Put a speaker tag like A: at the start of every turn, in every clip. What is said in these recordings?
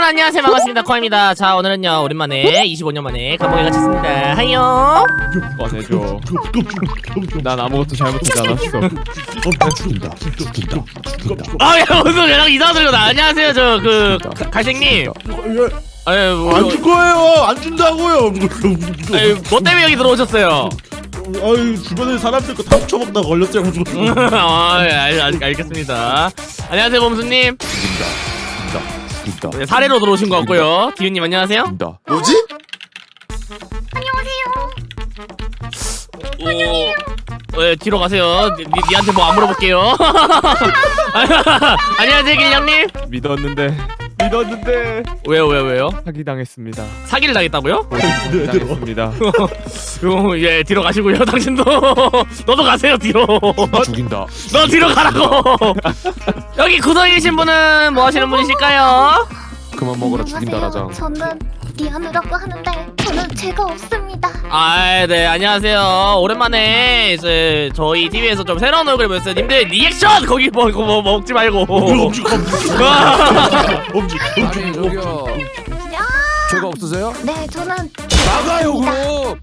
A: 안녕하세요. 반갑습니다. 코아입니다. 자, 오늘은요 오랜만에 25년 만에 감옥에 갇혔습니다. 하이요.
B: 꺼내줘. 난 아무것도 잘못하지 않았어.
C: 죽인다.
A: 아, 야, 무슨 연락 이상한 소리가 나. 안녕하세요. 저 그 갈색님. 아유, 뭐,
C: 안 줄 거예요. 안 준다고요.
A: 아유, 뭐 때문에 여기 들어오셨어요?
C: 아유, 주변에 사람들 거 다 훔쳐먹다 걸렸어요.
A: 아, 예, 알겠습니다. 안녕하세요, 범수님.
B: 죽인다.
A: 네, 사례로 들어오신 것 같고요. 디유님 안녕하세요.
B: 죽인다.
C: 뭐지?
A: 네, 뒤로 가세요. 니한테 뭐 안 물어볼게요. 안녕하세요, 길냥님.
B: 믿었는데
A: 왜요?
B: 사기 당했습니다.
A: 사기를 당했다고요?
B: 사기 당했습니다.
A: 예, 뒤로 가시고요. 당신도 너도 가세요 뒤로.
B: 죽인다.
A: 너 뒤로 가라고. 여기 구석에 계신 분은 뭐 하시는 분이실까요?
B: 그만 먹어라. 죽인다 라장.
D: 저는 리안우라고 하는데 저는 죄가 없습니다.
A: 아, 네, 안녕하세요. 오랜만에 이제 저희 TV에서 좀 새로운 얼굴 보였어요. 님들 리액션 거기 뭐 먹지 말고.
E: 아니 저기요 죄가 없으세요?
D: 네, 저는
E: 나가요 그럼.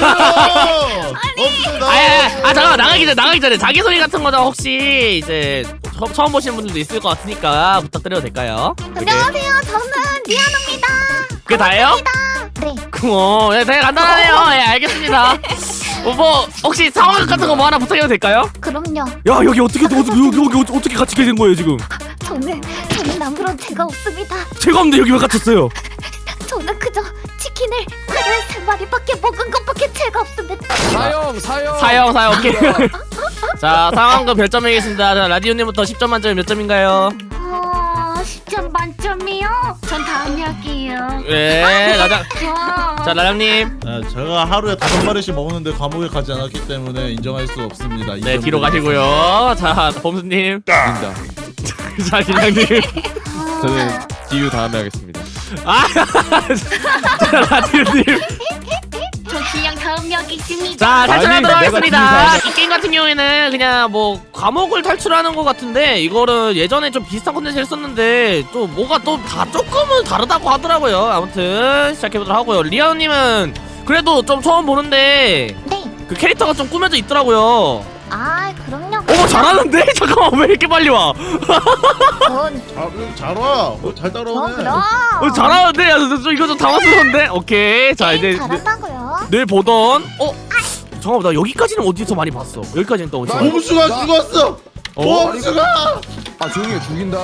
A: 잠깐만 나가기 전에 자기 소개 같은 거죠 혹시 이제 처음 보시는 분들도 있을 것 같으니까 부탁드려도 될까요?
D: 안녕하세요. 저는 리안우입니다.
A: 그게 다예요?
D: 네.
A: 예, 되게 간단하네요. 예, 알겠습니다. 뭐 혹시 상황 같은 거 뭐 하나 부탁해도 될까요?
D: 그럼요.
A: 야, 여기 어떻게 같이 계신 거예요 지금?
D: 저는 아무런 죄가 없습니다.
A: 제가 없는데 여기 왜 갇혔어요?
D: 저는 그저 치킨을 하루에 3마리밖에 먹은 것밖에 죄가 없습니다.
A: 사형 오케이. 자, 상황금 별점 매기겠습니다. 자, 라디오님부터 10점 만점에 몇 점인가요?
D: 10점 만점이요? 전 다음에 할게요.
A: 예, 라장. 자, 라장님.
C: 제가 하루에 5마리씩 먹는데 감옥에 가지 않았기 때문에 인정할 수 없습니다.
A: 네, 뒤로 가시고요. 자, 범수님.
B: 죽인다.
A: 자, 길냥님.
B: 저는 디유 다음에 하겠습니다.
A: 아, 자, 라디오님.
D: 저 그냥 다음 여기 있습니다.
A: 자, 탈출하도록
B: 아니,
A: 하겠습니다. 이 게임 같은 경우에는 그냥 뭐 감옥을 탈출하는 것 같은데 이거를 예전에 좀 비슷한 콘텐츠를 썼는데 또 뭐가 또 다 조금은 다르다고 하더라고요. 아무튼 시작해보도록 하고요. 리아우님은 그래도 좀 처음 보는데
D: 네.
A: 그 캐릭터가 좀 꾸며져 있더라고요.
D: 아, 그럼요.
A: 어머, 잘하는데? 잠깐만, 왜 이렇게 빨리 와?
D: 전
C: 잘 와. 잘 따라오네.
D: 그럼.
A: 잘하는데? 야, 이거 좀 당황스러운데? 오케이. 자, 이제
D: 잘한다고요.
A: 늘 보던 잠깐만, 나 여기까지는 어디서 많이 봤어? 여기까지는 또 어디서 많이 봤어?
C: 범수가 죽었어. 범수가.
E: 아 조용히 해 죽인다.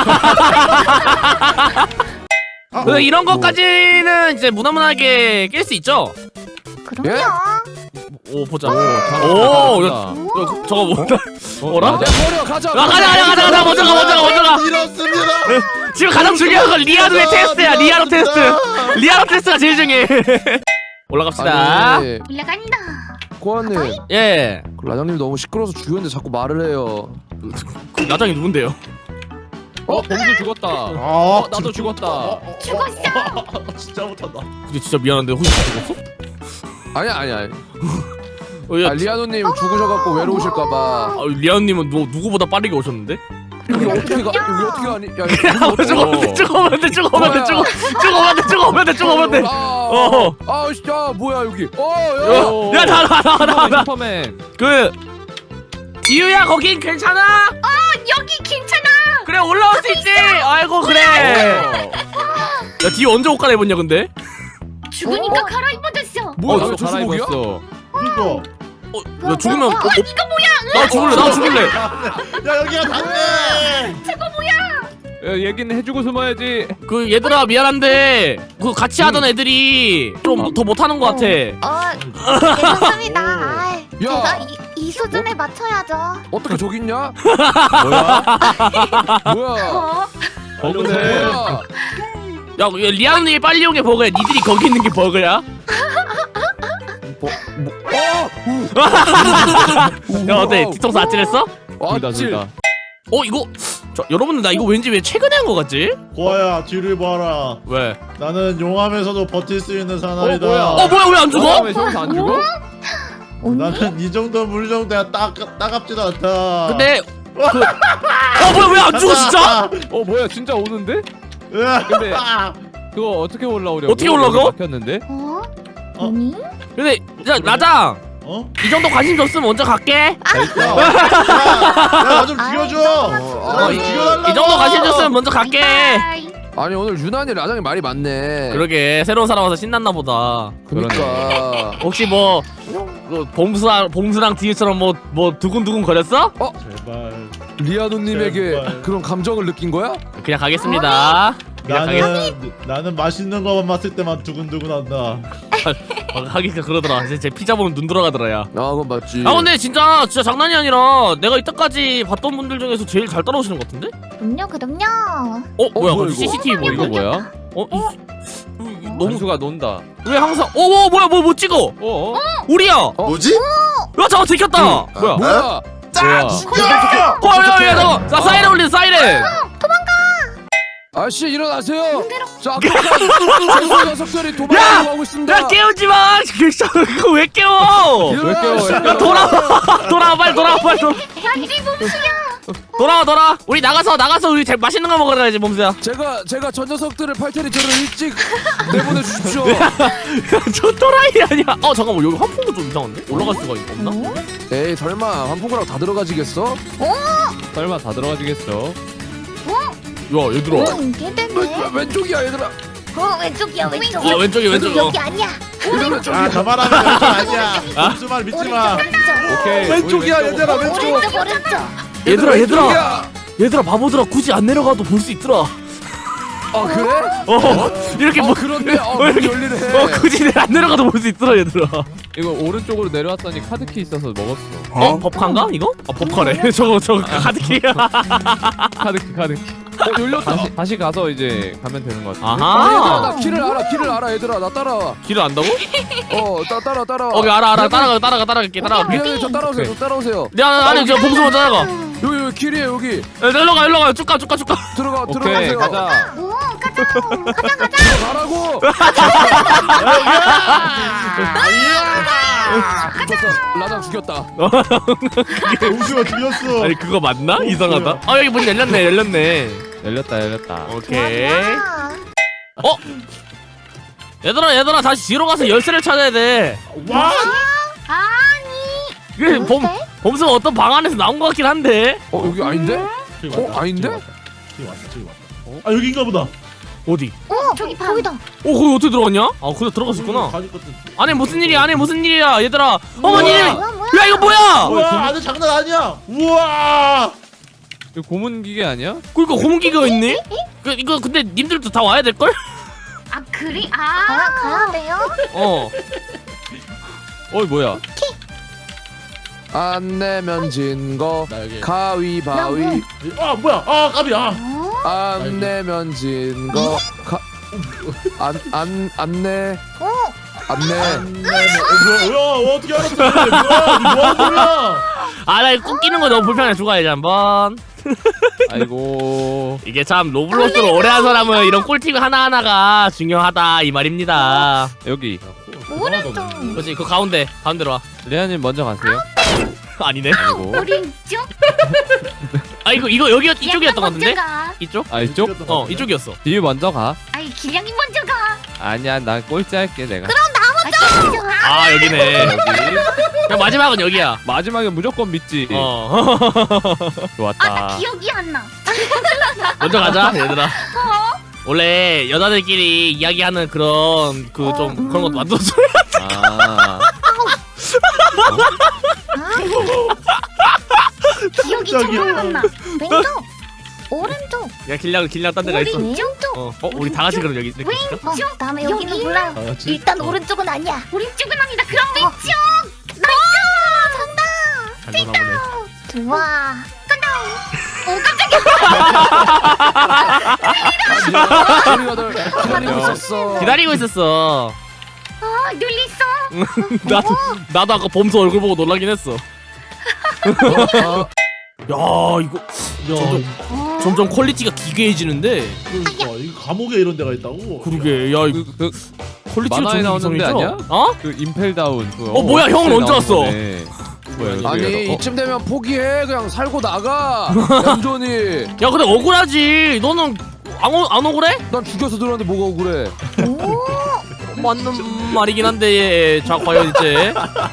A: 근데 이런 것까지는 이제 무난무난하게 깰 수 있죠?
D: 그럼요.
A: 오, 보자.
B: 잘한다.
A: 저거 뭐다? 뭐라?
E: 야 버려 가자.
A: 가자. 먼저 가.
C: 이렇습니다.
A: 지금 가장 중요한 건 리아노의 테스트야. 리아노 테스트가 제일 중요해. 올라갑시다.
E: 아니
D: 올라간다.
E: 코아님
A: 예.
E: 그 라장님 너무 시끄러워서 죽였는데 자꾸 말을 해요.
A: 그 나장이 누군데요?
B: 범수 죽었다. 나도 죽었다.
D: 죽었어.
C: 진짜 못한다.
A: 근데 진짜 미안한데 혹시 죽었어?
E: 아니야.
A: 야,
E: 리아노님 죽으셔갖고 외로우실까봐.
A: 아, 리아노님은 누구보다 빠르게 오셨는데?
E: 여기 어떻게 가니? 야
A: 죽으면 돼.
E: 아 진짜 뭐야 여기?
A: 야, 나.
B: 슈퍼맨.
A: 지유야, 거긴 괜찮아?
D: 여기 괜찮아.
A: 그래, 올라올 수 있지. 아이고, 그래. 야, 디유 언제 옷 갈아입었냐 근데?
D: 죽으니까 갈아입어졌어.
E: 뭐야
B: 나도
E: 저 수복이야?
B: 갈아입었어.
C: 이거.
A: 야, 죽으면
D: 이거 뭐야?
A: 나 죽을래.
C: 야, 여기가 닿네.
B: 얘기는 해주고 숨어야지.
A: 그 얘들아, 미안한데 그 같이 하던 애들이 좀 더 못하는 것 같아.
D: 괜찮습니다. 아,
E: 야.
D: 제가 이 수준에 맞춰야죠.
E: 어떻게 저기 있냐?
B: 뭐야?
E: 뭐야?
B: 버그네.
A: 야, 리아노님이 빨리 온 게 버그야. 니들이 거기 있는 게 버그야? 야, 어때? 뒤통수 아찔했어?
B: 둘다.
A: 이거 여러분들, 나 이거 왠지 왜 최근에 한 거 같지?
C: 고아야, 뒤를 봐라.
A: 왜?
C: 나는 용암에서도 버틸 수 있는 사나이다.
B: 뭐야?
A: 뭐야, 왜 안 죽어?
B: 왜 저기서 안 죽어?
C: 나는 이 정도 물 정도야 따갑지도 않다.
A: 근데 뭐야, 왜 안 죽어 진짜?
B: 뭐야 진짜 오는데? 근데 그거 어떻게 올라오려고?
A: 어떻게 올라가?
B: 막혔는데?
D: 어?
C: 어?
D: 아니?
A: 근데 야 나장
C: 어?
A: 이 정도 관심 줬으면 먼저 갈게.
C: 야나 좀 죽여줘.
E: 아,
A: 이
C: 죽여달라고.
A: 정도 관심 줬으면 먼저 갈게.
D: 바이.
E: 아니 오늘 유난히 라장이 말이 많네.
A: 그러게 새로운 사람 와서 신났나 보다.
E: 그러니까.
A: 혹시 뭐 봄수랑 디유처럼 뭐 두근두근 거렸어?
C: 제발.
E: 리아노님에게
C: 제발.
E: 그런 감정을 느낀 거야?
A: 그냥 가겠습니다. 그냥
C: 나는 맛있는 거만 맛을 때만 두근두근한다.
A: 하기가 그러더라. 이제 제 피자 보면 눈 돌아가더라 야.
E: 아 그건 맞지.
A: 아 근데 진짜 장난이 아니라 내가 이때까지 봤던 분들 중에서 제일 잘 따라오시는 것 같은데?
D: 그럼요.
A: 뭐야
E: 뭐야,
A: 갑자기
E: 이거?
A: CCTV 뭐
B: 이거
A: 이거?
B: 뭐야?
A: 너무
B: 범수가 논다.
A: 왜 항상 뭐야 뭐 찍어? 우리야.
C: 뭐지?
A: 야 잠깐 들켰다. 뭐야?
E: 뭐야?
B: 뭐야?
A: 야야야 잠깐. 자 사이렌 울린 사이렌.
E: 아씨 일어나세요. 자 아까 최소 녀석들이
A: 야!
E: 도망가고 하고 있습니다.
A: 야 깨우지 마. 그거 왜 깨워?
B: 왜 깨워?
A: 야 돌아와 빨리 돌아와.
D: 현지 봄수야.
A: 돌아와. 우리 나가서 우리 제일 맛있는 거 먹으러 가야지 몸수야.
E: 제가 전 녀석들을 팔 테니 저를 일찍 내보내 주십시오.
A: 저 또라이 아니야? 잠깐만 여기 환풍구 좀 이상한데? 올라갈 수가 없나?
E: 에이 설마 환풍구라고 다 들어가지겠어?
B: 설마 다 들어가지겠어?
A: 야 얘들아.
D: 이게 되네.
E: 왼쪽이야 얘들아.
D: 왼쪽이야 왼쪽.
A: 왼쪽이
D: 여기 아니야.
E: 얘들아 왼쪽이야.
C: 아 저말하면 왼쪽 아니야. 무슨 말 믿지 마.
B: 오케이.
E: 왼쪽이야,
B: 우리
E: 얘들아, 왼쪽.
D: 오른쪽.
A: 얘들아 바보들아 굳이 안 내려가도 볼 수 있더라.
E: 아 그래?
A: 이렇게
E: 그런데 문 열리네.
A: 굳이 안 내려가도 볼 수 있더라 얘들아.
B: 이거 오른쪽으로 내려왔더니 카드키 있어서 먹었어.
A: 법카인가 이거? 법카래. 저거 카드키야.
B: 카드키. 열렸다. 다시 가서 이제 가면 되는 것 같아.
E: 얘들아 나
A: 아하.
E: 길을 알아 얘들아 나 따라와.
A: 길을 안다고?
E: 따라와.
A: 알아. 따라갈게.
E: 미안해 저 따라오세요. 저 따라오세요.
A: 아니 저 봉수 먼저 나가.
E: 여기 길이에요 여기.
A: 일로 가. 쭉 가.
B: 오케이
E: 들어가세요.
B: 가자.
D: 오 가자.
E: 가라고. 죽었어. 라장 죽였다.
C: 우수가 죽였어.
A: 아니 그거 맞나? 이상하다. 여기 문 열렸네.
B: 열렸다.
A: 오케이. 얘들아 다시 뒤로 가서 열쇠를 찾아야 돼.
C: 와.
D: 아니.
A: 이게 범수가 어떤 방 안에서 나온 것 같긴 한데.
E: 여기 아닌데? 아닌데?
C: 저기 왔다. 아 여기인가 보다.
A: 어디?
D: 저기 거기다.
A: 거기 어떻게 들어갔냐? 그냥 들어갔었구나.
C: 가질 것들.
A: 안에 무슨 일이야 얘들아. 어머니.
C: 우와.
A: 야 이거 뭐야?
C: 우와 아주 장난 아니야. 우와.
B: 이거 고문 기계 아니야?
A: 그러니까 고문기가 있네? 이거 근데 님들도 다 와야 될걸?
D: 아 그리 가야 돼요?
B: 뭐야?
E: 안 내면 진거
C: 나 여기.
E: 가위바위.
C: 아 뭐야? 아 깜이야.
E: 안 내면 진거 안 내. 안 내.
C: 뭐야? 어떻게 알았어? 뭐야? 뭐야?
A: 나 이거 꼭 끼는 거 너무 불편해. 죽어야지 한번.
B: 아이고.
A: 이게 참 로블록스를 오래 한 사람은 이런 꿀팁 하나하나가 중요하다 이 말입니다.
B: 여기.
D: 오른쪽.
A: 그렇지 그 가운데로 와.
B: 레아님 먼저 가세요.
A: 아니네.
B: 아이고.
D: 오른쪽.
A: 이거 여기 이쪽이었던 것 같은데?
D: 가.
A: 이쪽?
B: 이쪽?
A: 이쪽이었어.
B: 뒤에 먼저 가.
D: 아이 길냥이 먼저 가.
B: 아니야 난 꼴찌 할게 내가.
A: 여기네.
B: 여기.
A: 그냥 마지막은 여기야.
B: 마지막에 무조건 믿지. 좋았다.
D: 나 기억이 안 나.
A: 먼저 가자 얘들아. 원래 여자들끼리 이야기하는 그런 좀 그런 것도 만들어줘.
B: 아.
D: 기억이
C: 깜짝이야.
D: 정말 안 나. 왼쪽. 오른쪽.
A: 야 길냥 딴 데가 있어.
D: 왼쪽.
A: 우리 다 같이 그럼 여기 이렇게 있을까?
D: 왼쪽. 다음에 여기는 몰라.
C: 알았지?
D: 일단 오른쪽은 아니야. 오른쪽은 아니다. 그럼 왼쪽. 나이스. 정답.
A: 잘 노나보네.
D: 좋아. 간다.
E: 우리가 널 기다리고 있었어.
A: 기다리고 있었어.
D: 눌렸어.
A: 나도 아까 범수 얼굴 보고 놀라긴 했어. 야 이거
C: 야,
A: 점점 퀄리티가 기괴해지는데.
C: 그러니까 이거 감옥에 이런 데가 있다고.
A: 그러게 야 이거
B: 그
A: 퀄리티가
B: 만화에
A: 좀
B: 나오는 데
A: 이상해져.
B: 아니야? 그 임펠다운.
A: 뭐야, 형은 언제 왔어?
B: 뭐야
E: 아니
B: 여기.
E: 이쯤 되면 포기해. 그냥 살고 나가. 얌전히.
A: 야 근데 억울하지. 너는 안 억울해?
E: 난 죽여서 들어왔는데 뭐가 억울해?
A: 맞는 말이긴 한데 자 과연 이제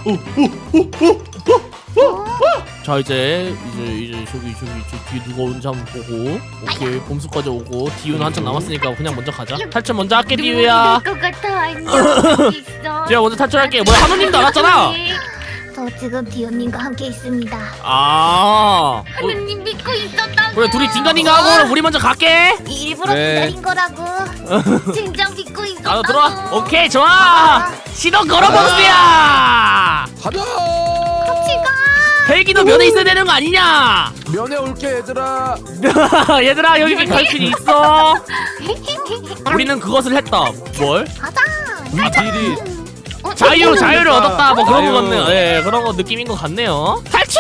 A: 자 이제 저기 뒤에 누가 오는지 한번 보고 오케이 봄수까지 오고 디유는 한참 남았으니까 그냥 먼저 가자. 탈출 먼저 할게 디유야.
D: 것 같아. 안녕. 있어.
A: 제가 먼저 탈출할게. 뭐야 한우님도 안 왔잖아.
D: 저 지금 디오님과 함께 있습니다.
A: 아
D: 하느님 믿고 있었다고.
A: 그래 둘이 딩가딩가 하고 우리 먼저 갈게.
D: 일부러
B: 네.
D: 기다린 거라고. 진짜 믿고 있었다고.
A: 나도 들어와. 오케이 좋아. 시동 걸어보세요.
E: 가자.
D: 같이 가.
A: 헬기도 면에 있어야 되는 거 아니냐?
E: 면회 올게 얘들아.
A: 얘들아 여기 갈 수 있어. 우리는 그것을 했다. 뭘?
D: 가자.
B: 딜이
A: 자유를 얻었다. 뭐 그런 거
B: 자유.
A: 같네요. 예, 그런 거 느낌인 것 같네요. 탈출!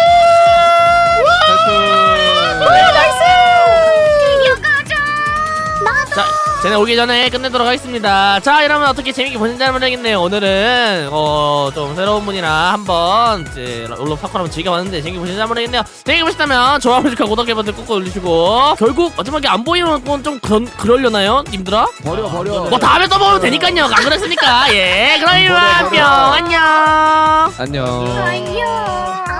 D: 드디어 가자. 나도.
A: 자, 쟤네 오기 전에 끝내도록 하겠습니다. 자, 이러면 어떻게 재밌게 보셨는지 모르겠네요. 오늘은 좀 새로운 분이랑 한번 이제 롤러 파쿠 한번 즐겨봤는데 재밌게 보셨는지 모르겠네요. 재밌게 보셨다면 좋아요, 구독 버튼 꾹꾹 눌러주시고 결국 마지막에 안 보이는 건 좀 그러려나요, 님들아?
E: 버려.
A: 뭐 다음에 또 보면 되니까요. 안 그랬으니까. 예, 그럼 이만
E: 버려.
A: 안녕.
B: 안녕.
D: 안녕.